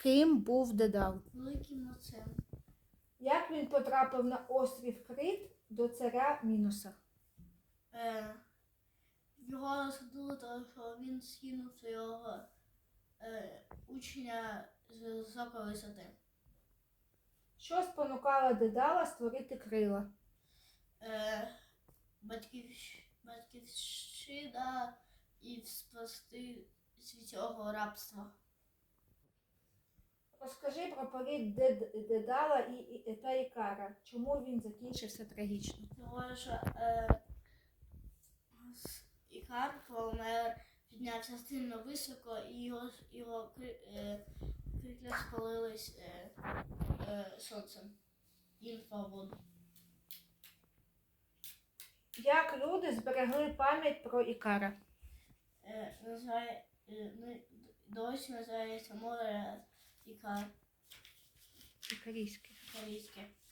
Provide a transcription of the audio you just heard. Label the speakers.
Speaker 1: Ким був Дедал?
Speaker 2: Великим митцем.
Speaker 1: Як він потрапив на острів Крит до царя Міноса?
Speaker 2: Його розсудили, тому що він скинув свого учня з високої висоти.
Speaker 1: Що спонукало Дедала створити крила?
Speaker 2: Батьківщина і спасти від цього рабства.
Speaker 1: Розкажи про політ Дедала та Ікара. Чому він закінчився трагічно?
Speaker 2: Тому що Ікар, помер, піднявся сильно високо, і його крила спалились сонцем. Він впав в воду.
Speaker 1: Як люди зберегли пам'ять про Ікара?
Speaker 2: Досі називається море Ікар.
Speaker 1: Ікарійське.
Speaker 2: Корейське.